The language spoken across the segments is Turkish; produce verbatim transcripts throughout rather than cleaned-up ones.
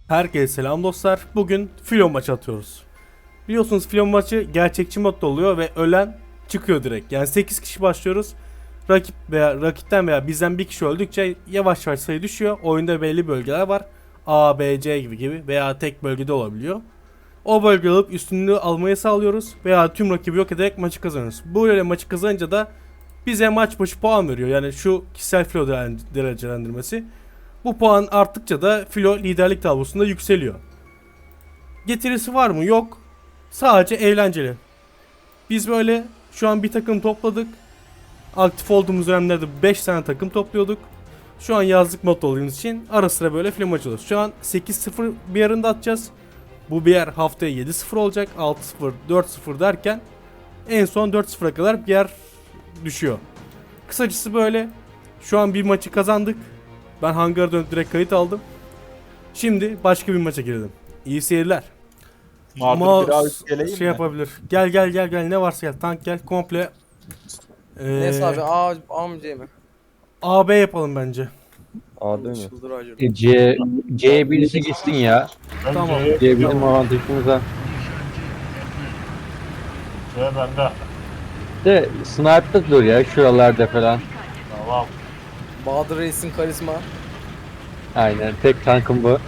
Herkese selam dostlar. Bugün filo maçı atıyoruz. Biliyorsunuz filo maçı gerçekçi modda oluyor ve ölen çıkıyor direkt. Yani sekiz kişi başlıyoruz. Rakip veya rakipten veya bizden bir kişi öldükçe yavaş yavaş sayı düşüyor. Oyunda belli bölgeler var. A, B, C gibi gibi veya tek bölgede olabiliyor. O bölgeyi alıp üstünlüğü almayı sağlıyoruz veya tüm rakibi yok ederek maçı kazanıyoruz. Böyle maçı kazanınca da bize maç başı puan veriyor. Yani şu kişisel filo derecelendirmesi. Bu puan arttıkça da filo liderlik tablosunda yükseliyor. Getirisi var mı? Yok. Sadece eğlenceli. Biz böyle şu an bir takım topladık. Aktif olduğumuz dönemlerde beş tane takım topluyorduk. Şu an yazlık mod olduğumuz için ara sıra böyle film açıyoruz. Şu an sekiz sıfır bir yarında atacağız. Bu bir yer haftaya yedi sıfır olacak. altı sıfır, dört sıfır derken en son dört sıfıra kadar bir yer düşüyor. Kısacası böyle. Şu an bir maçı kazandık. Ben hangara dönüp direkt kayıt aldım. Şimdi başka bir maça girdim. İyi seyirler. Mağdur bir abi geleyim şey mi? yapabilir. Gel gel gel gel ne varsa gel. Tank gel komple. Ee, Neyse abi A, A mı C mi? A B yapalım bence. A değil mi? Çıldır acır. E, C, C'ye birisi gitsin ya. Tamam. C bizim avantajımıza. C bende. De sniper dur ya şuralarda falan. Tamam. Bahadır Reis'in karizma. Aynen tek tankım bu.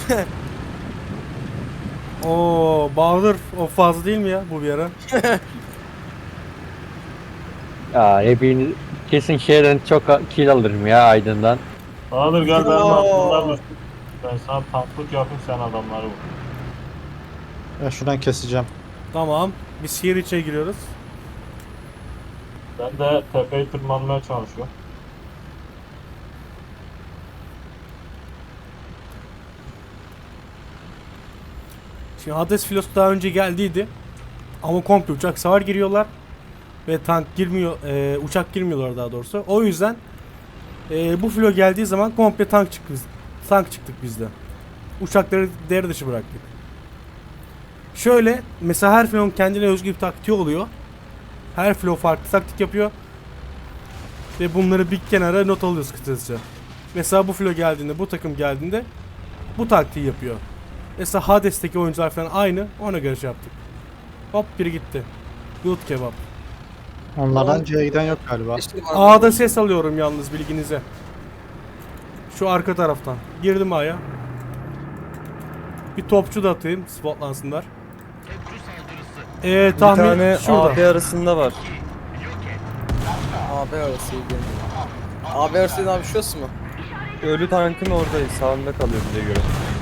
Oo Bahadır o fazla değil mi ya bu bir ara? Ya hepiniz kesin şeyden çok kill alırım ya Aydın'dan. Bahadır gel benim Oo. altımdan. Ben sana tanklık yapayım, sen adamları vur. Ben şuradan keseceğim. Tamam. Biz şehir içine giriyoruz. Ben de tepeyi tırmanmaya çalışıyorum. Şimdi Hades filosu daha önce geldiydi. Ama komple uçak savar giriyorlar. Ve tank girmiyor, e, uçak girmiyorlar daha doğrusu. O yüzden e, bu filo geldiği zaman komple tank çıktı biz. Tank çıktık biz de. Uçakları devre dışı bıraktık. Şöyle mesela her filonun kendine özgü bir taktiği oluyor. Her filo farklı taktik yapıyor. Ve bunları bir kenara not alıyoruz kısacası. Mesela bu filo geldiğinde, bu takım geldiğinde bu taktiği yapıyor. Mesela Hades'teki oyuncular falan aynı, ona göre şey yaptık. Hop biri gitti. Good kebap. Onlardan C'ye giden yok galiba. Geçtim abi. A'da ses alıyorum yalnız bilginize. Şu arka taraftan. Girdim A'ya. Bir topçu da atayım, spotlansınlar. Eee tahmin Bir tane şurada. A B arasında var. A B arasıydı. A B arasıydı abi şurası mı? Ölü tankın oradayız. Sağında kalıyor bize göre.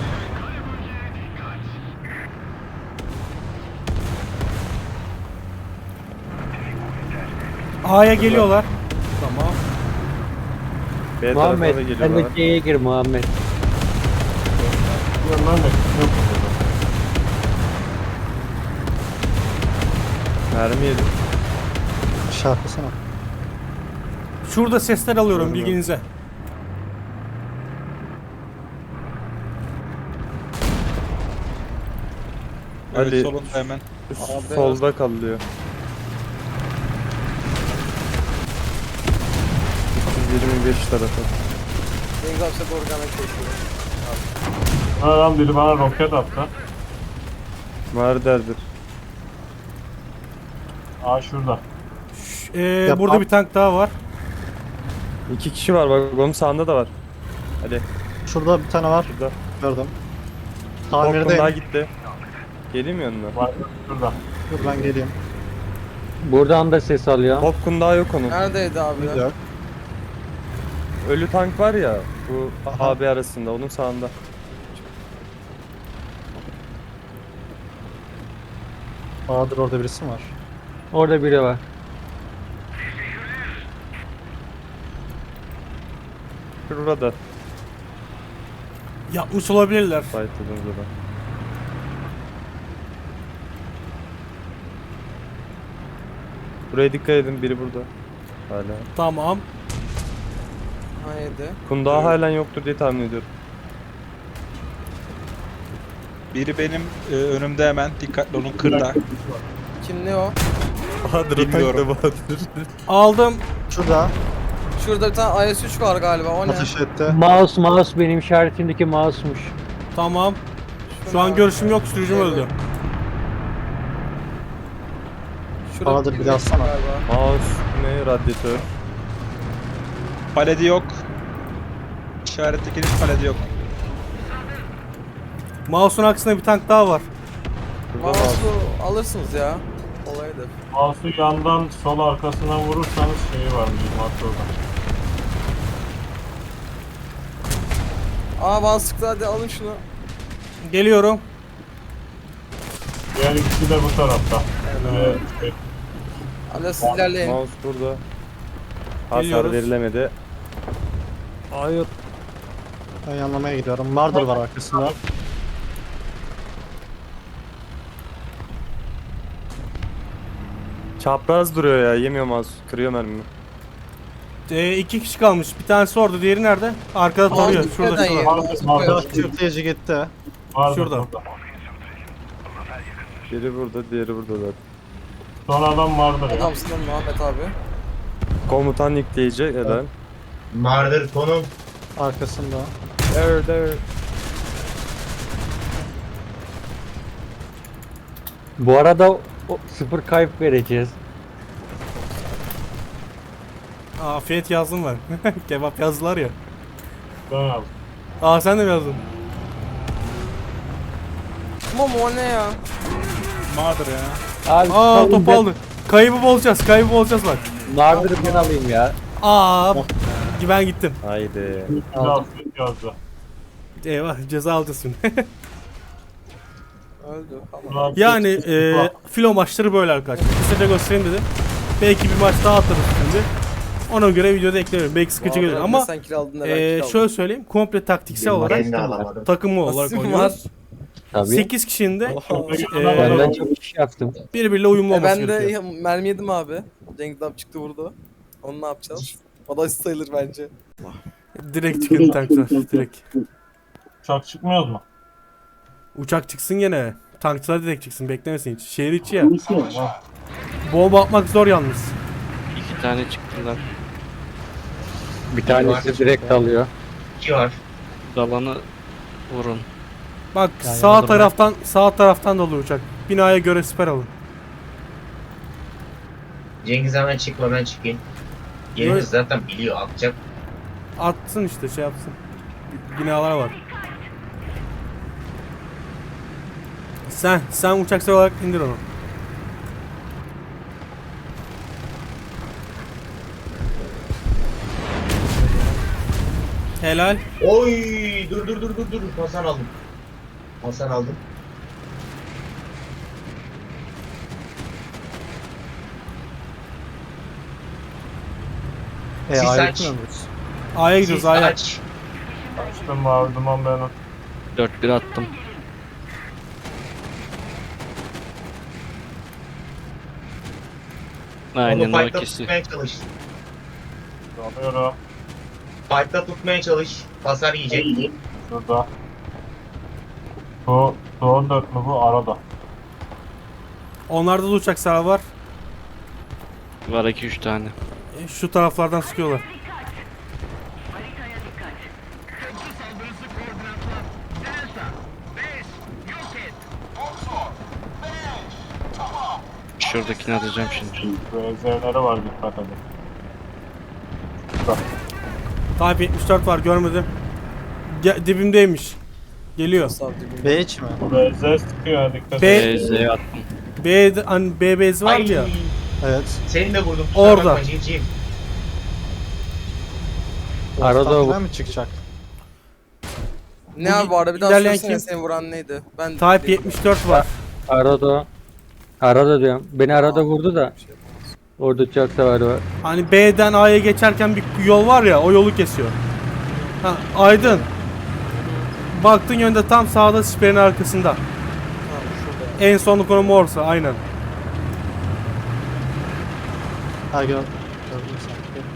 A'ya geliyorlar. Tamam. B tarafa da Muhammed sen geliyorlar. de C'ye gir Muhammed. Ben de yok burada. Mermi yedim. Şarkısana. Şurada sesler alıyorum Görmüyorum. bilginize. Ali solunda hemen. üst- solda kalıyor. üç yüz yirmi beş tarafı. Deniz abi size doğru gelmek çalışıyor. Adam biri bana roket attı. Var derdir. Aa şurada. Ş- eee, Yap- burada bir tank daha var. İki kişi var bak onun sağında da var. Hadi Şurada bir tane var. şurada. Gördüm. Korkun daha Tamirdeyim. gitti. Geleyim mi yanına? Var şurada. Dur ben geleyim. Buradan da ses alıyor. Korkun daha yok onun. Neredeydi abi? Bir yok. Ölü tank var ya bu Aha. A B arasında onun sağında. Bahadır orada birisi mi var? Orada biri var. Şurada. Yapmış olabilirler. Fight'ımızda da. Buraya dikkat edin biri burada. Hala. Tamam. Haydi. Kundağı halen yoktur diye tahmin ediyorum. Biri benim e, önümde hemen. Dikkatli olun kırda. Kim ne o? Bahadır Bilmiyorum. Bahadır. Aldım. Şurada. Şurada bir tane I S üç var galiba o ne? Ateş etti. Mouse mouse benim işaretimdeki mouse'muş. Tamam. Şu an görüşüm yok, sürücüm Evet. öldü. Şurada Bahadır, bir biri daha atsana. galiba. Mouse ne radyatör. Paledi yok. İşarettekinin paledi yok. Mouse'un aksine bir tank daha var. Burada mouse. Mouse'u alırsınız ya. Olaydır. Mouse'u yandan sol arkasına vurursanız şeyi var bizim orada. Aa bana sıktı, hadi alın şunu. Geliyorum. Diğer ikisi de bu tarafta. Evet. Ee, şey, Hadi siz ilerleyin. Mouse burada. Hasar Geliyoruz. verilemedi. Hayır. Ben yanlamaya gidiyorum. Marder var arkasında. Çapraz duruyor ya. Yemiyor mouse. Kırıyor mermimi. Ee, iki kişi kalmış. Bir tanesi orada, diğeri nerede? Arkada Mouse tarıyor. Şurada nereden şurada. yedi? Vardır, Mouse vardır. koyalım. Sürtleyici gitti. vardır Şurada. burada. Biri burada, diğeri burada zaten. Son adam vardır ya. Adamsın lan Muhammed abi. Komutan yükleyici. Helal. Mardır konum. Arkasında. Evet, evet. Bu arada o, o sıfır kayıp vereceğiz. Aa, afiyet yazdım ben. Kebap yazdılar ya. Ben aldım. Aa, sen de mi yazdın? Tamam o ne ya? Mağdur ya. Abi, Aa, salın top ben- aldı. Kaybı bozacağız, kaybı bozacağız bak. Nardır'ı ben alayım ya. Aa, ben gittim. Haydi. Bir de afiyet yazdı. Eyvah, ceza alacağız şimdi. Öldü. Tamam. Ulan Yani çok- e, filo maçları böyle arkadaşlar. Kısaca göstereyim dedim. Belki bir maç daha atarız şimdi. Ona göre videoda eklerim. Belki sıkıcı gelir Muhammed, ama sen kill aldın da ben e, kill aldım. şöyle söyleyeyim. Komple taktiksel olarak, Ben de alamadım. takımlı olarak Nasıl oynuyoruz. Tabii. sekiz kişinin de Çok- e, Benden çok iş yaptım. birbiriyle uyumlu E olması ben de gerekiyor. mermi yedim abi. Cengiz abi çıktı vurdu. Onu ne yapacağız? O da asist sayılır bence. Direkt çıkın tanklar. Direkt. Uçak çıkmıyoruz mu? Uçak çıksın gene. Tankçılar direkt çıksın. Beklemesin hiç. Şehir içi ya. Tamam. Bomba atmak zor yalnız. İki tane çıktılar. Bir tanesi direkt alıyor. İki var. Dalanı vurun. Bak Yani sağ aldım taraftan sağ taraftan dolu uçak. Binaya göre siper alın. Cengiz hemen çıkma, ben çıkayım. Yerimiz zaten biliyor, atacak. Atsın işte, şey yapsın. Binalar var. Sen sen uçaksal olarak indir onu. Helal. Oy, dur dur dur dur dur. Hasan aldım. Hasan aldım. E Siz A'ya aç. gitmiyor muyuz? A'ya gidiyoruz, Siz A'ya. aç. Açtım mavi duman ben o. dört bir attım. Aynen Onu o fight'ta ikisi. tutmaya çalış. Alıyorum. Fight'ta tutmaya çalış. Hasar yiyecek. Şurada. Bu, bu on dört mü bu? Arada. Onlarda da uçaksal var. Var iki üç tane. E, Şu taraflardan sıkıyorlar. Şuradakini atacağım şimdi. Benzerleri var, dikkat edin. Şurada. Type yetmiş dört var, görmedim. Ge- dibimdeymiş. Geliyor. Sağ dibinde. B hiç mi? Bu benzer sıkıyor ya, dikkat B- edin. E Z'ye attım. B'de hani B bezi vardı ya. Evet. Seni de vurdum. kusura Orada. bakma civciv. Arada Ortadan o- mı çıkacak? Ne abi bu arada bir daha İlerleyen söylesene, kim? seni vuran neydi? Ben Type yetmiş dört var. Arada Arada diyorum. Beni arada vurdu da. Orada uçak savarı var. Hani B'den A'ya geçerken bir yol var ya, o yolu kesiyor. Ha, Aydın. Baktığın yönde tam sağda siperin arkasında. Tamam, şurada. En sonlu konumu orası, aynen. Ha gör. Gördüm sanki.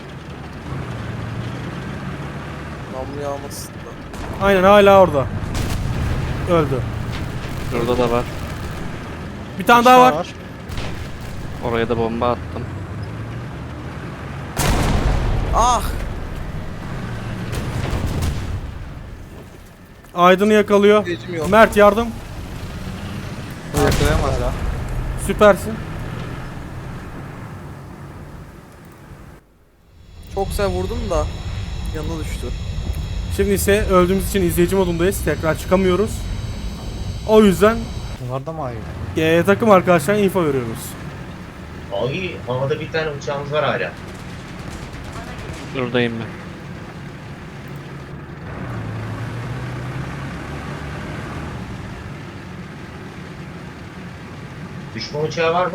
Namlu yağmasın da. Aynen, hala orada. Öldü. Şurada da var. Bir tane daha var. Oraya da bomba attım. Ah! Aydın'ı yakalıyor. İzleyicim yok. Mert yardım. Bu yakalayamaz ya. Süpersin. Çok güzel vurdum da yanına düştü. Şimdi ise öldüğümüz için izleyici modundayız. Tekrar çıkamıyoruz. O yüzden Bunlar da mı ayı? e, takım arkadaşlarına info veriyoruz. Ay havada bir tane uçağımız var hala. Buradayım ben. Düşman uçağı var mı?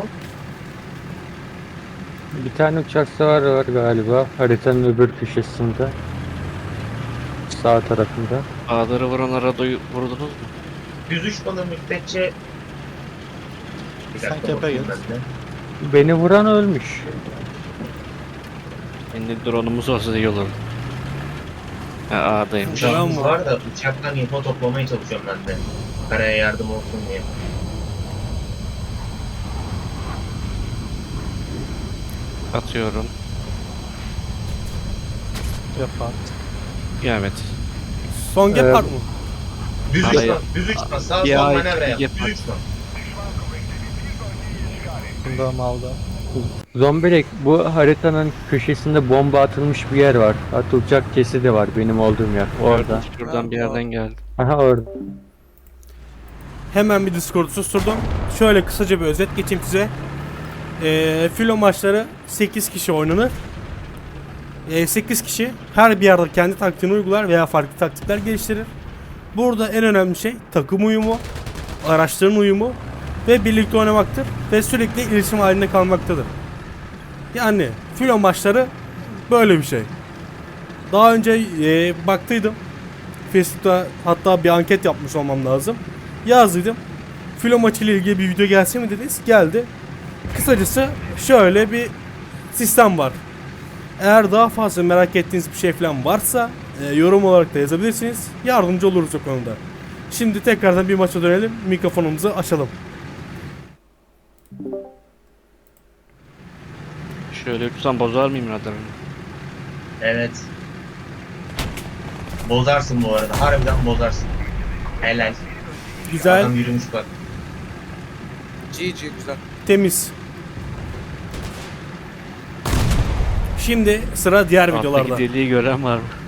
Bir tane uçak savarı var galiba. Haritanın öbür köşesinde. Sağ tarafında. Bağları vuranlara duyu vurdunuz mu? yüz üç bana müddetçe... Bir Sen dakika kepe bakayım git. ben de. Beni vuran ölmüş. Şimdi drone'umuz olsa iyi olur. Ha A'daymış. Tamam Uçağımız mı? var da uçaktan info toplamaya çalışıyorum ben de. Karaya yardım olsun diye. Atıyorum. Yapar. Evet. Son Evet. gap var mı? Düz Hayır. uçma, düz uçma. Sağ Ya, sol manevra yap. yapar. Düz uçma. Bundağımı aldı. Zombilek, bu haritanın köşesinde bomba atılmış bir yer var. Atılacak kesi de var benim olduğum yer. Orada. Şuradan bir yerden geldi. Aha orada. Hemen bir Discord'u susturdum. Şöyle kısaca bir özet geçeyim size. Ee, filo maçları sekiz kişi oynanır. Ee, sekiz kişi her bir yerde kendi taktiğini uygular veya farklı taktikler geliştirir. Burada en önemli şey takım uyumu, araçların uyumu ve birlikte oynamaktır ve sürekli iletişim halinde kalmaktadır. Yani filo maçları böyle bir şey. Daha önce e, baktıydım. Facebook'ta hatta bir anket yapmış olmam lazım. Yazdıydım. Filo maçı ile ilgili bir video gelsin mi dediniz? Geldi. Kısacası şöyle bir sistem var. Eğer daha fazla merak ettiğiniz bir şey falan varsa e, yorum olarak da yazabilirsiniz. Yardımcı oluruz o konuda. Şimdi tekrardan bir maça dönelim. Mikrofonumuzu açalım. Şöyle uçsam bozar mıyım radarını? Evet. Bozarsın bu arada. Harbiden bozarsın. Helal. Güzel, Adam yürümüş bak. G G güzel. temiz. Şimdi sıra diğer videolarda. Alttaki deliği gören var mı?